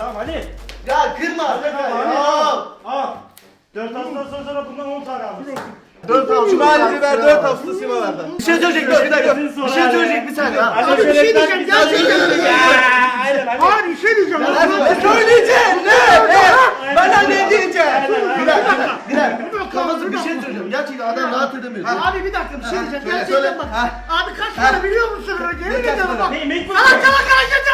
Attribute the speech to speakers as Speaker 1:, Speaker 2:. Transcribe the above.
Speaker 1: Tamam Ali.
Speaker 2: Ya kırma.
Speaker 1: Al. 4 hafta sonra bundan 10 tane almışsın.
Speaker 2: 4 hafta. Şu halini ver 4 hafta simalarda. Bir şey söyleyecek bir dakika. Bir şey söyleyecek bir saniye.
Speaker 1: Abi bir şey diyeceğim. Gerçekten aynen Ali.
Speaker 3: Hayır bir şey diyeceğim.
Speaker 2: Ne söyleyeceğim? Ne? Bana ne diyeceğim? Bir dakika. Kafası bir şey söyleyeceğim. Gerçekten adam rahat edemiyor.
Speaker 3: Abi bir dakika bir şey diyeceğim.
Speaker 2: Söyle,
Speaker 3: Gerçekten
Speaker 2: söyle.
Speaker 3: bak. Abi kaç para biliyor musun? Yemin ederim bak.
Speaker 1: Ne? Mekbul.
Speaker 3: Salak salak hareket